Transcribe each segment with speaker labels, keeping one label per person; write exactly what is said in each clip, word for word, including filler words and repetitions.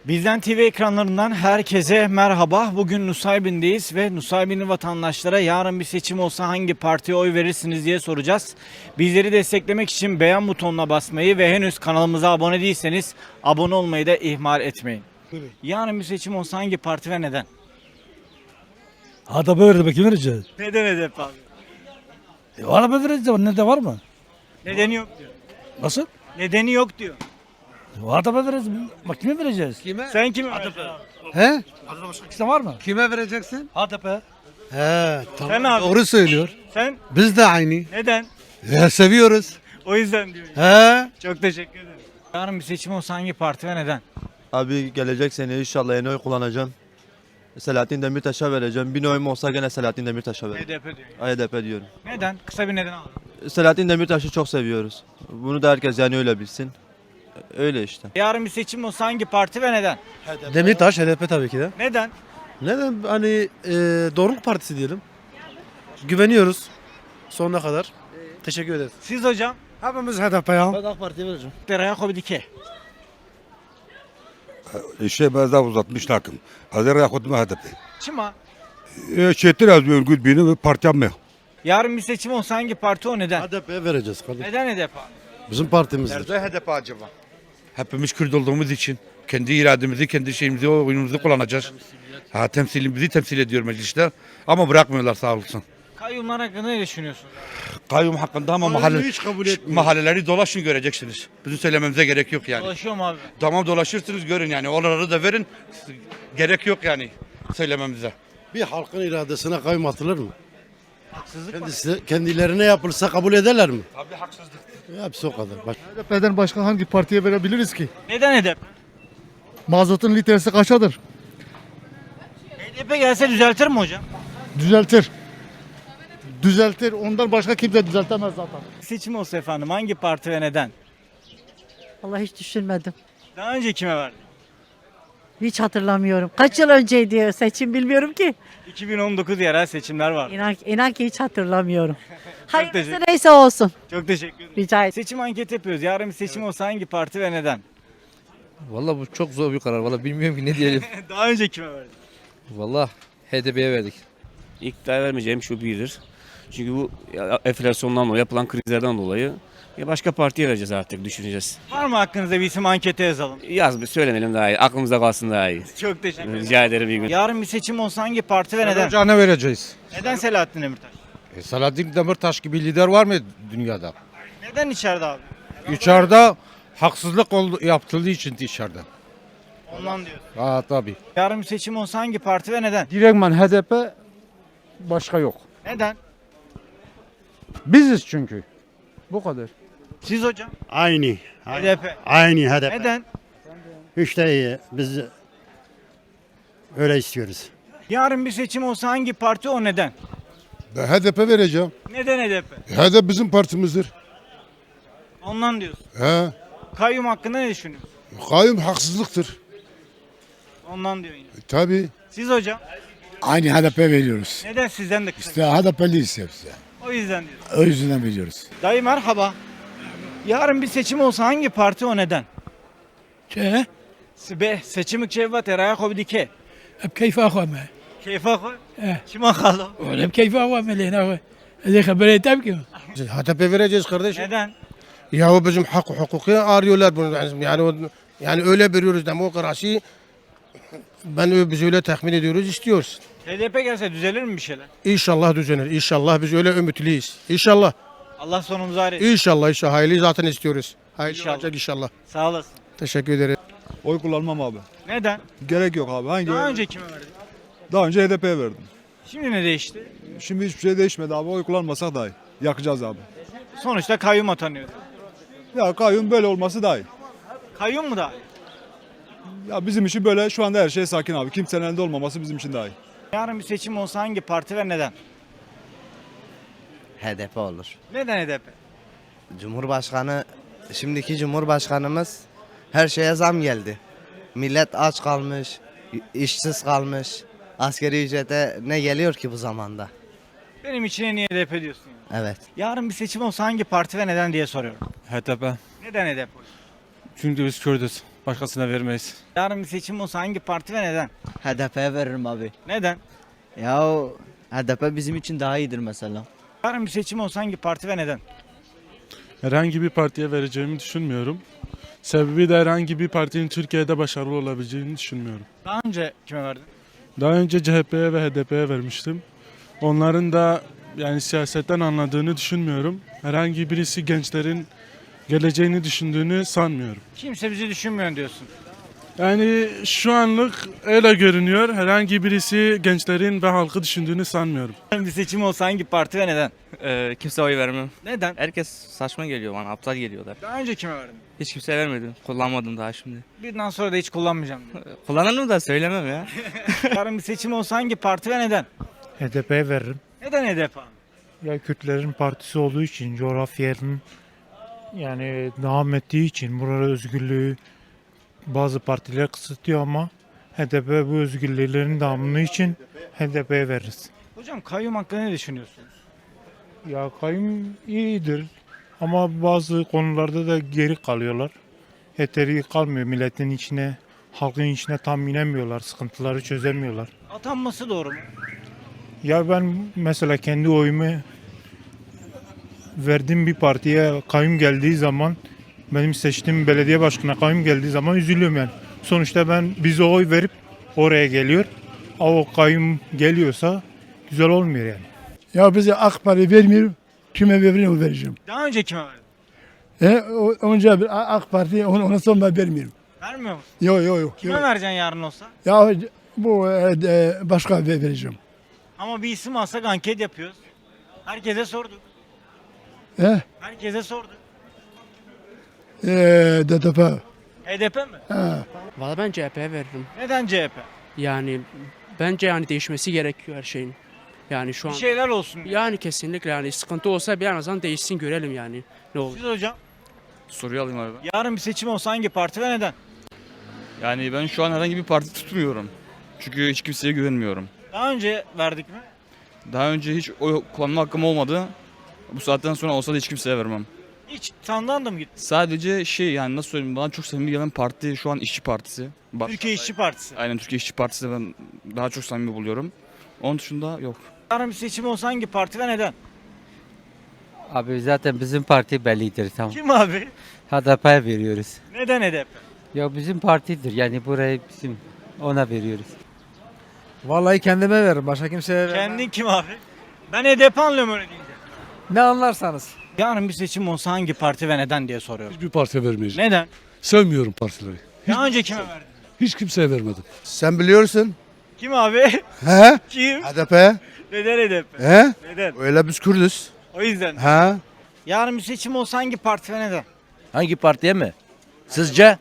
Speaker 1: Bizden T V ekranlarından herkese merhaba. Bugün Nusaybin'deyiz ve Nusaybinli vatandaşlara yarın bir seçim olsa hangi partiye oy verirsiniz diye soracağız. Bizleri desteklemek için beğen butonuna basmayı ve henüz kanalımıza abone değilseniz abone olmayı da ihmal etmeyin.
Speaker 2: Evet.
Speaker 1: Yarın bir seçim olsa hangi parti ve neden?
Speaker 2: H D P verdi be, kim vereceğiz?
Speaker 1: Neden H D P abi?
Speaker 2: E, H D P vereceğiz, ne de var mı?
Speaker 1: Nedeni yok diyor.
Speaker 2: Nasıl?
Speaker 1: Nedeni yok diyor.
Speaker 2: H D P vereceğiz, bak kime vereceğiz?
Speaker 3: Kime?
Speaker 1: Sen kime vereceksin?
Speaker 3: He?
Speaker 2: İşte var mı?
Speaker 3: Kime vereceksin?
Speaker 2: H D P.
Speaker 3: He, tamam.
Speaker 1: Sen abi.
Speaker 3: Doğru söylüyor.
Speaker 1: Sen
Speaker 3: Biz de aynı.
Speaker 1: neden?
Speaker 3: Ya, seviyoruz.
Speaker 1: O yüzden diyor.
Speaker 3: He?
Speaker 1: Çok teşekkür ederim. Yarın bir seçim olsa hangi parti ve neden?
Speaker 4: Abi gelecek sene inşallah yeni oy kullanacağım. Selahattin Demirtaş'a vereceğim. Bir oyum olsa gene Selahattin Demirtaş'a
Speaker 1: H
Speaker 4: vereceğim.
Speaker 1: D P diyor.
Speaker 4: H D P diyorum.
Speaker 1: Neden? Kısa bir neden alalım.
Speaker 4: Selahattin Demirtaş'ı çok seviyoruz. Bunu da herkes yani öyle bilsin. Öyle işte.
Speaker 1: Yarın bir seçim olsa hangi parti ve neden?
Speaker 5: Demirtaş, H D P tabii ki de.
Speaker 1: Neden?
Speaker 5: Neden? Hani e, doğruluk partisi diyelim. Güveniyoruz sonuna kadar. Teşekkür ederiz.
Speaker 1: Siz hocam?
Speaker 3: Hepimiz H D P ya.
Speaker 5: Ben AK Parti'ye vereceğim.
Speaker 1: Yakup Dike.
Speaker 6: İşte bazda uzatmış takım. Hazır yakut mu H D P.
Speaker 1: Çima.
Speaker 6: Çetin az bir örgüt birini ve partiyam mı?
Speaker 1: Yarın bir seçim olsa hangi parti o neden?
Speaker 5: H D P'ye vereceğiz kardeşim.
Speaker 1: Neden H D P?
Speaker 5: Bizim partimizdir.
Speaker 6: H D P acaba? Hepimiz Kürt olduğumuz için kendi irademizi, kendi şeyimizi, oyunumuzu kullanacağız. Ha, temsilimizi temsil ediyor mecliste ama bırakmıyorlar sağ olsun.
Speaker 1: Kayyumlar hakkında ne düşünüyorsun?
Speaker 6: Kayyum hakkında ama mahalle,
Speaker 5: hiç kabul etmiyor.
Speaker 6: mahalleleri dolaşın göreceksiniz. Bizim söylememize gerek yok yani.
Speaker 1: Dolaşıyor mu abi?
Speaker 6: Tamam dolaşırsınız görün yani. Oraları da verin. Gerek yok yani söylememize.
Speaker 5: Bir halkın iradesine kayyum atılır mı?
Speaker 1: Haksızlık var.
Speaker 5: Kendisi, kendilerine yapılsa kabul ederler mi?
Speaker 6: Tabii haksızlık.
Speaker 5: Hepsi o kadar. Bak.
Speaker 7: H D P'den başka hangi partiye verebiliriz ki?
Speaker 1: Neden H D P?
Speaker 7: Mazotun litresi kaçadır?
Speaker 1: H D P gelse düzeltir mi hocam?
Speaker 7: Düzeltir. Düzeltir. Ondan başka kimse düzeltemez zaten.
Speaker 1: Seçim olsa efendim hangi parti ve neden?
Speaker 8: Vallahi hiç düşünmedim.
Speaker 1: Daha önce kime verdin?
Speaker 8: Hiç hatırlamıyorum. Kaç yıl önceydi seçim bilmiyorum ki.
Speaker 1: iki bin on dokuz yerel seçimler var.
Speaker 8: İnan, inan ki hiç hatırlamıyorum. Hayırlısı
Speaker 1: teşekkür-
Speaker 8: neyse olsun.
Speaker 1: Çok teşekkür ederim.
Speaker 8: Rica ederim.
Speaker 1: Seçim anketi yapıyoruz. Yarın bir seçim olsa hangi parti ve neden?
Speaker 9: Valla bu çok zor bir karar. Valla bilmiyorum ki ne diyelim.
Speaker 1: Daha önce kime verdin?
Speaker 9: Valla H D P'ye verdik.
Speaker 10: İktidar vermeyeceğim şu birdir. Çünkü bu ya, enflasyondan dolayı yapılan krizlerden dolayı ya başka partiye vereceğiz artık düşüneceğiz.
Speaker 1: Var mı hakkınızda bir isim ankete yazalım?
Speaker 10: Yaz bir söylemeyelim daha iyi. Aklımızda kalsın daha iyi.
Speaker 1: Çok teşekkür ederim.
Speaker 10: Rica ederim iyi gün.
Speaker 1: Yarın bir seçim olsa hangi parti ve neden?
Speaker 11: Ocağına vereceğiz.
Speaker 1: Neden Selahattin Demirtaş?
Speaker 11: E, Selahattin Demirtaş gibi lider var mı dünyada?
Speaker 1: Neden içeride abi?
Speaker 11: İçeride haksızlık oldu, yaptıldığı için içeride.
Speaker 1: Ondan diyorsun.
Speaker 11: Ha tabii.
Speaker 1: Yarın bir seçim olsa hangi parti ve neden?
Speaker 11: Direktman H D P başka yok.
Speaker 1: Neden?
Speaker 11: Biziz çünkü. Bu kadar.
Speaker 1: Siz hocam?
Speaker 2: Aynı.
Speaker 1: H D P.
Speaker 2: Aynı H D P.
Speaker 1: Neden?
Speaker 2: İşte iyi. Biz öyle istiyoruz.
Speaker 1: Yarın bir seçim olsa hangi parti o neden?
Speaker 6: Ben H D P vereceğim.
Speaker 1: Neden H D P?
Speaker 6: H D P bizim partimizdir.
Speaker 1: Ondan diyorsun.
Speaker 6: He.
Speaker 1: Kayyum hakkında ne düşünüyorsun?
Speaker 6: Kayyum haksızlıktır.
Speaker 1: Ondan diyor yine.
Speaker 6: Tabii.
Speaker 1: Siz hocam?
Speaker 6: Aynı H D P veriyoruz.
Speaker 1: Neden sizden de kısa?
Speaker 6: İşte H D P'liyiz hepsi.
Speaker 1: O yüzden diyorsun.
Speaker 6: O yüzden veriyoruz.
Speaker 1: Dayı merhaba. Yarın bir seçim olsa hangi parti o neden?
Speaker 2: Çe?
Speaker 1: Be seçimi çevvat Yakup Dike.
Speaker 2: Hep keyfe akvame.
Speaker 1: Keyfe koy. Kime kaldı?
Speaker 2: Hep keyfe akvame lehine. Hadi haber etem ki.
Speaker 5: H D P vereceğiz kardeşim.
Speaker 1: Neden?
Speaker 5: Ya bizim hak hukuku arıyorlar bunu. Yani o- yani öyle veriyoruz demokrasi. Ben ö- biz öyle tahmin ediyoruz, istiyoruz.
Speaker 1: H D P gelse düzelir mi bir şeyler?
Speaker 5: İnşallah düzenir. İnşallah biz öyle ümitliyiz. İnşallah.
Speaker 1: Allah sonumuzu hayır etsin.
Speaker 5: İnşallah inşallah. Hayırlı zaten istiyoruz. Hayırlı
Speaker 1: İnşallah.
Speaker 5: olacak inşallah.
Speaker 1: Sağ olasın.
Speaker 5: Teşekkür ederim.
Speaker 4: Oy kullanmam abi.
Speaker 1: Neden?
Speaker 4: Gerek yok abi. Hangi?
Speaker 1: Daha önce kime verdin?
Speaker 4: Daha önce H D P'ye verdim.
Speaker 1: Şimdi ne değişti?
Speaker 4: Şimdi hiçbir şey değişmedi abi. Oy kullanmasak daha iyi. Yakacağız abi.
Speaker 1: Sonuçta kayyum atanıyor.
Speaker 4: Ya kayyum böyle olması daha iyi.
Speaker 1: Kayyum mu daha iyi?
Speaker 4: Ya bizim için böyle şu anda her şey sakin abi. Kimsenin elinde olmaması bizim için daha iyi.
Speaker 1: Yarın bir seçim olsa hangi parti ve neden?
Speaker 3: H D P olur.
Speaker 1: Neden H D P?
Speaker 3: Cumhurbaşkanı, şimdiki Cumhurbaşkanımız her şeye zam geldi. Millet aç kalmış, işsiz kalmış. Askeri ücrete ne geliyor ki bu zamanda?
Speaker 1: Benim için en iyi H D P diyorsun. Yani.
Speaker 3: Evet.
Speaker 1: Yarın bir seçim olsa hangi parti ve neden diye soruyorum.
Speaker 4: H D P.
Speaker 1: Neden H D P?
Speaker 4: Çünkü biz Kürdüz.
Speaker 11: Başkasına vermeyiz.
Speaker 1: Yarın bir seçim olsa hangi parti ve neden?
Speaker 3: H D P'ye veririm abi.
Speaker 1: Neden?
Speaker 3: Ya H D P bizim için daha iyidir mesela.
Speaker 1: Yarın bir seçim olsa hangi parti ve neden?
Speaker 11: Herhangi bir partiye vereceğimi düşünmüyorum. Sebebi de herhangi bir partinin Türkiye'de başarılı olabileceğini düşünmüyorum.
Speaker 1: Daha önce kime verdin?
Speaker 11: Daha önce C H P'ye ve H D P'ye vermiştim. Onların da yani siyasetten anladığını düşünmüyorum. Herhangi birisi gençlerin geleceğini düşündüğünü sanmıyorum.
Speaker 1: Kimse bizi düşünmüyor diyorsun.
Speaker 11: Yani şu anlık öyle görünüyor. Herhangi birisi gençlerin ve halkı düşündüğünü sanmıyorum.
Speaker 1: Yarın bir seçim olsa hangi parti ve neden?
Speaker 9: Ee, kimse oy vermem.
Speaker 1: Neden?
Speaker 9: Herkes saçma geliyor bana, aptal geliyorlar.
Speaker 1: Daha önce kime verdin?
Speaker 9: Hiç kimseye vermedim. Kullanmadım daha şimdi.
Speaker 1: Birden sonra da hiç kullanmayacağım diyor.
Speaker 9: Kullanırım da söylemem ya.
Speaker 1: Yarın bir seçim olsa hangi parti ve neden?
Speaker 2: H D P'ye veririm.
Speaker 1: Neden H D P abi?
Speaker 2: Ya Kürtlerin partisi olduğu için, coğrafyanın yani devam ettiği için burada özgürlüğü bazı partiler kısıtlıyor ama H D P bu özgürlüklerin devamı için H D P'ye veririz.
Speaker 1: Hocam kayyum hakkında ne düşünüyorsunuz?
Speaker 2: Ya kayyum iyidir ama bazı konularda da geri kalıyorlar. Yeteri kalmıyor milletin içine, halkın içine tam inemiyorlar, sıkıntıları çözemiyorlar.
Speaker 1: Atanması doğru mu?
Speaker 2: Ya ben mesela kendi oyumu verdiğim bir partiye kayyum geldiği zaman, benim seçtiğim belediye başkanına kayyum geldiği zaman üzülüyorum yani. Sonuçta ben bize oy verip oraya geliyor. Ama o kayyum geliyorsa güzel olmuyor yani.
Speaker 7: Ya bize AK Parti vermiyor. Kime vereyim vereceğim.
Speaker 1: Daha önce kime verdin?
Speaker 7: He, önce bir AK Parti ona sonra vermiyorum.
Speaker 1: Vermiyor musun?
Speaker 7: Yok yok yok.
Speaker 1: Kime vereceksin yarın olsa?
Speaker 7: Ya bu e, başka vereceğim.
Speaker 1: Ama bir isim alsak anket yapıyoruz. Herkese sorduk.
Speaker 7: He?
Speaker 1: Herkese sorduk.
Speaker 7: E, D D P.
Speaker 1: H D P mi?
Speaker 7: Ha.
Speaker 9: Valla ben C H P'ye veririm.
Speaker 1: Neden C H P?
Speaker 9: Yani bence yani değişmesi gerekiyor her şeyin. Yani şu
Speaker 1: Bir şeyler olsun.
Speaker 9: Yani kesinlikle yani sıkıntı olsa bir an azından değişsin görelim yani ne olur.
Speaker 1: Siz hocam
Speaker 6: Soruyu alayım abi.
Speaker 1: yarın bir seçim olsa hangi parti ve neden?
Speaker 6: Yani ben şu an herhangi bir parti tutmuyorum. Çünkü hiç kimseye güvenmiyorum.
Speaker 1: Daha önce verdik mi?
Speaker 6: Daha önce hiç oy kullanma hakkım olmadı. Bu saatten sonra olsa da hiç kimseye vermem.
Speaker 1: Hiç sandan da mı gitti?
Speaker 6: Sadece şey yani nasıl söyleyeyim bana çok samimi gelen parti şu an İşçi Partisi. Bak,
Speaker 1: Türkiye İşçi Partisi.
Speaker 6: aynen Türkiye İşçi Partisi ben daha çok samimi buluyorum. Onun dışında yok.
Speaker 1: Yarın bir seçim olsa hangi parti ve neden?
Speaker 3: Abi zaten bizim parti bellidir tamam.
Speaker 1: Kim abi?
Speaker 3: H D P'ye veriyoruz.
Speaker 1: Neden H D P?
Speaker 3: Ya bizim partidir yani burayı bizim ona veriyoruz.
Speaker 9: Vallahi kendime veririm başka kimseye
Speaker 1: Kendin kim abi? Ben H D P anlıyorum öyle deyince.
Speaker 9: Ne anlarsanız.
Speaker 1: Yarın bir seçim olsa hangi parti ve neden diye soruyorum.
Speaker 7: Hiçbir partiye vermeyeceğim.
Speaker 1: Neden?
Speaker 7: Sevmiyorum partileri.
Speaker 1: Daha önce kime verdin?
Speaker 7: Hiç kimseye vermedim.
Speaker 5: Sen biliyorsun.
Speaker 1: Kim abi?
Speaker 5: He?
Speaker 1: Kim?
Speaker 5: H D P.
Speaker 1: Neden H D P?
Speaker 5: He?
Speaker 1: Neden?
Speaker 5: Öyle biz Kürdüz.
Speaker 1: O yüzden.
Speaker 5: He?
Speaker 1: Yarın bir seçim olsa hangi parti ve neden?
Speaker 3: Hangi partiye mi? Sizce?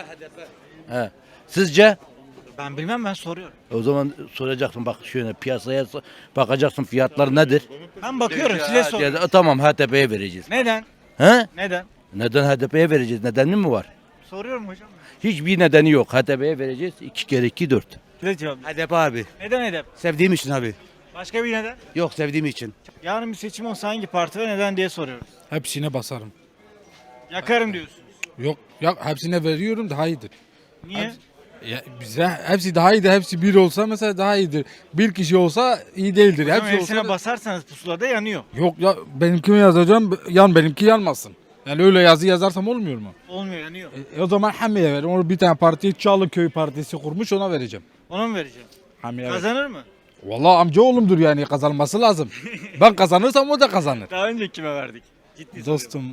Speaker 3: He. Sizce?
Speaker 1: Ben bilmem, ben soruyorum.
Speaker 3: O zaman soracaksın bak şöyle piyasaya so- bakacaksın fiyatlar nedir?
Speaker 1: Ben bakıyorum, size soruyorum.
Speaker 3: Ya, tamam H D P'ye vereceğiz.
Speaker 1: Neden?
Speaker 3: He?
Speaker 1: Neden?
Speaker 3: Neden H D P'ye vereceğiz? Nedeni mi var?
Speaker 1: Soruyorum hocam.
Speaker 3: Hiçbir nedeni yok. H D P'ye vereceğiz. iki kere iki dört.
Speaker 1: Size cevap.
Speaker 3: H D P abi.
Speaker 1: Neden H D P?
Speaker 3: Sevdiğim için abi.
Speaker 1: Başka bir neden?
Speaker 3: Yok sevdiğim için.
Speaker 1: Yarın bir seçim olsa hangi parti ve neden diye soruyoruz.
Speaker 11: Hepsine basarım.
Speaker 1: Yakarım diyorsunuz.
Speaker 11: Yok ya hepsine veriyorum daha iyidir.
Speaker 1: Niye?
Speaker 11: Ya bize hepsi daha iyidir. Hepsi bir olsa mesela daha iyidir. Bir kişi olsa iyi değildir.
Speaker 1: Hocam
Speaker 11: Hepsi
Speaker 1: hepsine
Speaker 11: olsa
Speaker 1: basarsanız pusulada yanıyor.
Speaker 11: yok ya benimkini yazacağım yan benimki yanmasın. Yani öyle yazı yazarsam olmuyor mu?
Speaker 1: Olmuyor, yanıyor.
Speaker 11: E, o zaman Hamiye veririm. Onu bir tane parti Çağlıköy Partisi kurmuş ona vereceğim.
Speaker 1: Ona mı vereceğim?
Speaker 11: Hamiye ver.
Speaker 1: Kazanır mı?
Speaker 11: Vallahi amca oğlumdur yani kazanması lazım. Ben kazanırsam o da kazanır.
Speaker 1: Daha önce kime verdik? Ciddi
Speaker 11: Dostum.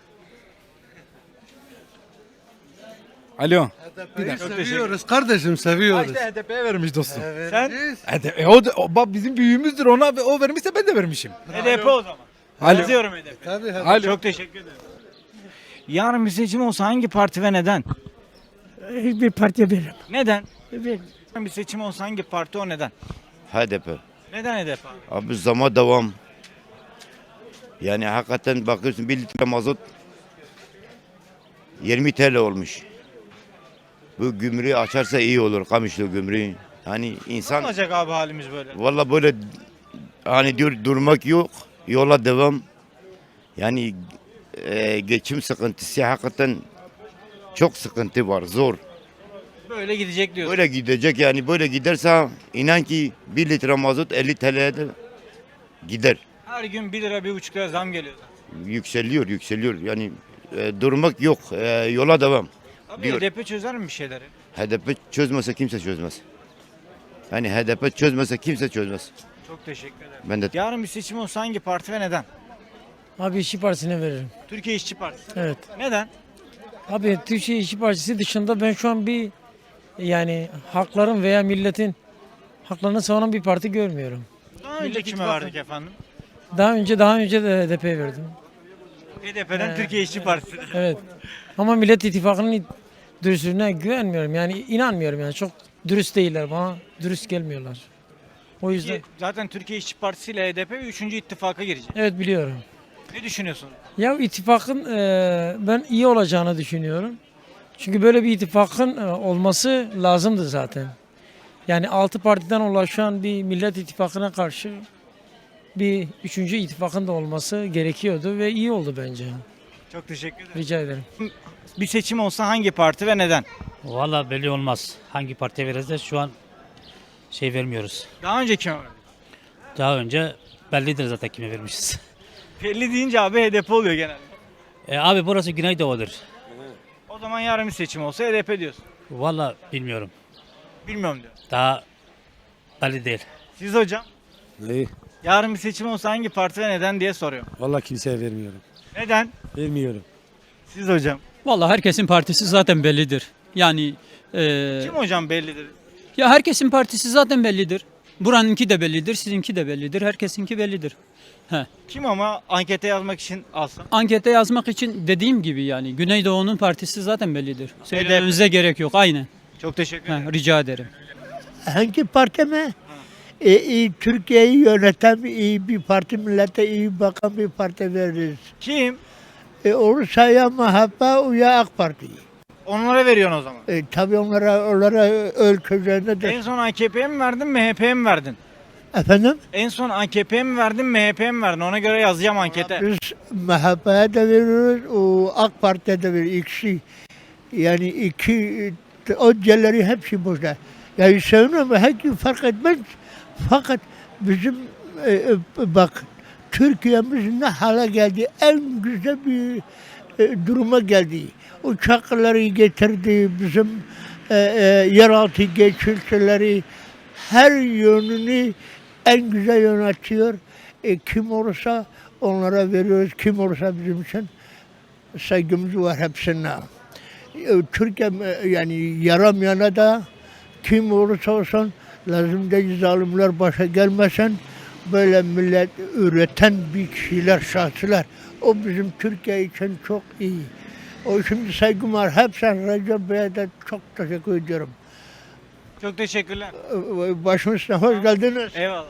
Speaker 11: Alo.
Speaker 5: Seviyoruz kardeşim seviyoruz.
Speaker 11: İşte H D P'ye vermiş dostum.
Speaker 1: Sen
Speaker 11: H D P, e, o, da- o bak bizim büyüğümüzdür ona o vermişse ben de vermişim.
Speaker 1: H D P o zaman.
Speaker 11: Alo.
Speaker 1: Yazıyorum H D P.
Speaker 5: Tabii
Speaker 11: Alo.
Speaker 1: Çok teşekkür ederim. Yarın bir seçim olsa hangi parti ve neden?
Speaker 2: Hiçbir partiye veririm.
Speaker 1: Neden? Yarın bir seçim olsa hangi parti, o neden?
Speaker 3: H D P.
Speaker 1: Neden H D P?
Speaker 3: Abi zama devam. Yani hakikaten bakıyorsun bir litre mazot yirmi T L olmuş. Bu gümrüğü açarsa iyi olur Kamışlı gümrüğü. Hani
Speaker 1: Ne
Speaker 3: insan
Speaker 1: olacak abi halimiz böyle?
Speaker 3: valla böyle hani diyor durmak yok. Yola devam. Yani e, geçim sıkıntısı hakikaten çok sıkıntı var zor.
Speaker 1: Böyle gidecek diyorsun.
Speaker 12: Böyle gidecek yani böyle giderse inan ki bir litre mazot elli T L'ye de gider.
Speaker 1: Her gün bir lira bir buçuk lira zam geliyor zaten.
Speaker 12: Yükseliyor yükseliyor yani e, durmak yok e, yola devam.
Speaker 1: Abi
Speaker 12: Diyor.
Speaker 1: H D P çözer mi bir şeyleri?
Speaker 12: H D P çözmese kimse çözmez. Yani H D P çözmese kimse çözmez.
Speaker 1: Çok teşekkür ederim.
Speaker 12: Ben de
Speaker 1: Yarın bir seçim olsa hangi parti ve neden?
Speaker 2: Abi İşçi Partisi'ne veririm.
Speaker 1: Türkiye İşçi Partisi.
Speaker 2: Evet.
Speaker 1: Neden?
Speaker 2: Abi Türkiye İşçi Partisi dışında ben şu an bir yani hakların veya milletin haklarını savunan bir parti görmüyorum.
Speaker 1: Daha önce
Speaker 2: Millet
Speaker 1: kime
Speaker 2: İttifakı.
Speaker 1: verdik efendim?
Speaker 2: Daha önce daha önce de H D P'ye verdim.
Speaker 1: H D P'den
Speaker 2: Ee,
Speaker 1: Türkiye İşçi Partisi.
Speaker 2: Evet. Ama Millet İttifakı'nın dürüstlüğüne güvenmiyorum. Yani inanmıyorum yani. Çok dürüst değiller bana. Dürüst gelmiyorlar. O yüzden
Speaker 1: Ki Zaten Türkiye İşçi Partisi ile H D P üçüncü ittifaka girecek.
Speaker 2: evet biliyorum.
Speaker 1: Ne düşünüyorsun?
Speaker 2: Ya ittifakın e, ben iyi olacağını düşünüyorum. Çünkü böyle bir ittifakın e, olması lazımdı zaten. Yani altı partiden oluşan bir Millet İttifakı'na karşı bir üçüncü ittifakın da olması gerekiyordu ve iyi oldu bence.
Speaker 1: Çok teşekkür ederim.
Speaker 2: Rica ederim.
Speaker 1: Bir seçim olsa hangi parti ve neden?
Speaker 10: Valla belli olmaz. Hangi partiye vereceğiz şu an şey vermiyoruz.
Speaker 1: Daha önce kime verdik?
Speaker 10: Daha önce bellidir zaten kime vermişiz.
Speaker 1: Belli deyince abi H D P oluyor genelde.
Speaker 10: E, abi burası Güneydoğu'dur.
Speaker 1: O zaman yarın bir seçim olsa H D P diyorsun.
Speaker 10: Valla bilmiyorum.
Speaker 1: Bilmiyorum diyor.
Speaker 10: Daha belli değil.
Speaker 1: Siz hocam?
Speaker 5: Neyi?
Speaker 1: Yarın bir seçim olsa hangi parti ve neden diye soruyorum.
Speaker 5: Vallahi kimseye vermiyorum.
Speaker 1: Neden?
Speaker 5: Vermiyorum.
Speaker 1: Siz hocam.
Speaker 9: Vallahi herkesin partisi zaten bellidir. Yani e,
Speaker 1: Kim hocam bellidir?
Speaker 9: ya herkesin partisi zaten bellidir. Buranınki de bellidir, sizinki de bellidir, herkesinki bellidir.
Speaker 1: Kim ama ankete yazmak için alsam?
Speaker 9: Ankete yazmak için dediğim gibi yani Güneydoğu'nun partisi zaten bellidir. Söylememize gerek yok. Aynen.
Speaker 1: Çok teşekkür ederim.
Speaker 9: Ha, rica ederim.
Speaker 7: Hangi parti mi? E, iyi, Türkiye'yi yöneten iyi bir parti, millete iyi bakan bir parti veririz.
Speaker 1: Kim?
Speaker 7: E, olursa ya M H P ya AK Parti.
Speaker 1: Onlara veriyorsun o zaman.
Speaker 7: E, tabii onlara, onlara ülkelerinde de.
Speaker 1: En son A K P'ye mi verdin, M H P'ye mi verdin?
Speaker 7: Efendim?
Speaker 1: En son A K P'ye mi verdin, M H P'ye mi verdin? Ona göre yazacağım ankete.
Speaker 7: Biz M H P'ye de veriyoruz, o AK Parti'ye de veriyoruz. İkisi. Yani iki, o diğerleri hepsi boşta. Yani sevmiyorum, herkes fark etmez. Fakat bizim e, e, bak Türkiye'miz ne hale geldi, en güzel bir e, duruma geldi. Uçakları getirdi, bizim e, e, yeraltı geçirtileri, her yönünü en güzel yönetiyor. E, kim olursa onlara veriyoruz, kim olursa bizim için saygımız var hepsine. E, Türkiye e, yani yaramayana da kim olursa olsun lazım değil, zalimler başa gelmesin. Böyle millet üreten bir kişiler, şahsılar. O bizim Türkiye için çok iyi. O şimdi saygım var. Hepsine Recep Bey'e de çok teşekkür ediyorum.
Speaker 1: Çok teşekkürler.
Speaker 7: Başım üstüne hoş geldiniz.
Speaker 1: Eyvallah.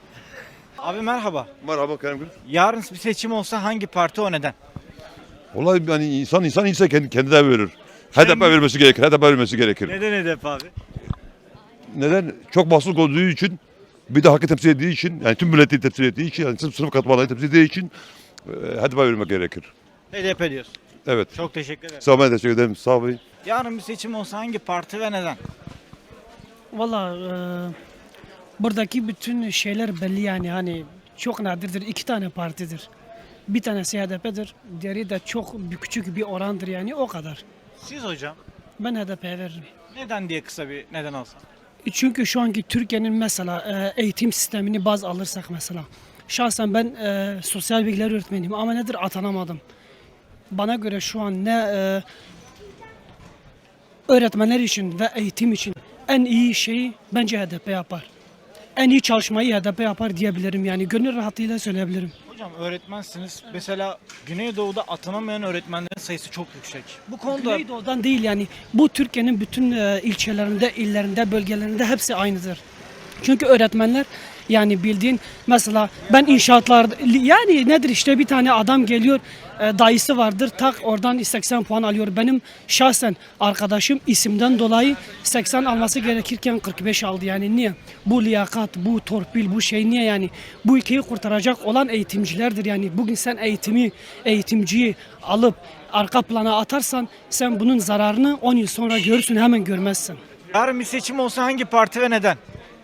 Speaker 1: Abi merhaba.
Speaker 4: Merhaba Kerem Gül.
Speaker 1: Yarın bir seçim olsa hangi parti o neden?
Speaker 4: Vallahi yani insan insan ise kendi, kendi de verir. H D P vermesi gerekir. H D P vermesi gerekir.
Speaker 1: Neden H D P abi?
Speaker 4: Neden? Çok baskılık olduğu için, bir de hakkı temsil ettiği için, yani tüm milleti temsil ettiği için, yani sınıf, sınıf katmanları temsil ettiği için e, H D P vermek gerekir.
Speaker 1: H D P diyorsun.
Speaker 4: Evet.
Speaker 1: Çok teşekkür ederim.
Speaker 4: Sağ olun, teşekkür ederim. Sağ olun.
Speaker 1: Yarın bir seçim olsa hangi parti ve neden?
Speaker 9: Valla buradaki bütün şeyler belli yani hani çok nadirdir. İki tane partidir. Bir tanesi H D P'dir. Diğeri de çok bir küçük bir orandır yani o kadar.
Speaker 1: Siz hocam
Speaker 9: Ben H D P'ye veririm.
Speaker 1: neden diye kısa bir neden olsa.
Speaker 9: Çünkü şu anki Türkiye'nin mesela e, eğitim sistemini baz alırsak mesela. Şahsen ben e, sosyal bilgiler öğretmeniyim ama nedir atanamadım. Bana göre şu an ne e, öğretmenler için ve eğitim için en iyi şeyi bence H D P yapar. En iyi çalışmayı H D P yapar diyebilirim yani gönül rahatlığıyla söyleyebilirim.
Speaker 1: Hocam öğretmensiniz. Mesela Güneydoğu'da atanamayan öğretmenlerin sayısı çok yüksek. Bu konuda
Speaker 9: Güneydoğu'dan değil yani bu Türkiye'nin bütün e, ilçelerinde, illerinde, bölgelerinde hepsi aynıdır. Çünkü öğretmenler yani bildiğin mesela ben inşaatlar yani nedir işte bir tane adam geliyor e, dayısı vardır tak oradan seksen puan alıyor. Benim şahsen arkadaşım isimden dolayı seksen alması gerekirken kırk beş aldı yani niye? Bu liyakat, bu torpil, bu şey niye yani? Bu ülkeyi kurtaracak olan eğitimcilerdir yani. Bugün sen eğitimi, eğitimciyi alıp arka plana atarsan sen bunun zararını on yıl sonra görürsün hemen görmezsin.
Speaker 1: Yarın bir seçim olsa hangi parti ve neden?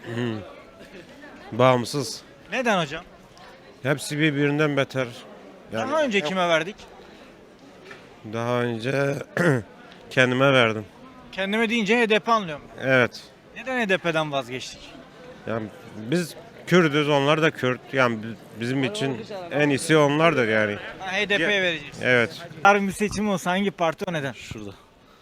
Speaker 13: Bağımsız.
Speaker 1: Neden hocam?
Speaker 13: Hepsi birbirinden beter. Yani
Speaker 1: Daha önce kime verdik?
Speaker 13: daha önce kendime verdim.
Speaker 1: Kendime deyince H D P anlıyorum.
Speaker 13: Evet.
Speaker 1: Neden H D P'den vazgeçtik?
Speaker 13: Yani biz Kürdüz, onlar da Kürt. Yani bi- bizim için en iyisi onlardır yani.
Speaker 1: Ha, H D P'ye vereceğiz.
Speaker 13: Evet.
Speaker 1: Yarın bir seçim olsa hangi parti o neden?
Speaker 14: Şurada.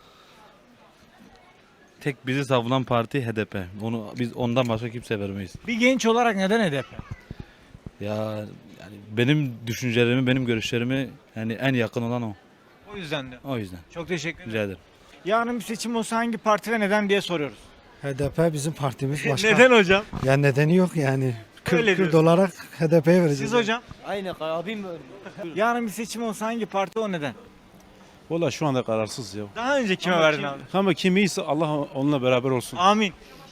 Speaker 14: Tek bizi savunan parti H D P. Onu biz ondan başka kimse vermeyiz.
Speaker 1: Bir genç olarak neden H D P?
Speaker 14: Ya yani benim düşüncelerimi, benim görüşlerimi yani en yakın olan o.
Speaker 1: O yüzden de.
Speaker 14: O yüzden.
Speaker 1: Çok teşekkür ederim.
Speaker 14: Rica ederim.
Speaker 1: Yarın bir seçim olsa hangi parti ve neden diye soruyoruz.
Speaker 15: H D P bizim partimiz başka.
Speaker 1: Neden hocam?
Speaker 15: Ya nedeni yok yani. Kürt,
Speaker 1: Öyle
Speaker 15: Kürt
Speaker 1: diyorsun.
Speaker 15: olarak H D P'ye vereceğiz.
Speaker 1: Siz hocam?
Speaker 10: Aynı abim
Speaker 1: Yarın bir seçim olsa hangi parti o neden?
Speaker 11: Valla şu anda kararsız ya.
Speaker 1: Daha önce kime verdin abi?
Speaker 11: Ama kim iyiyse Allah onunla beraber olsun.
Speaker 1: Amin.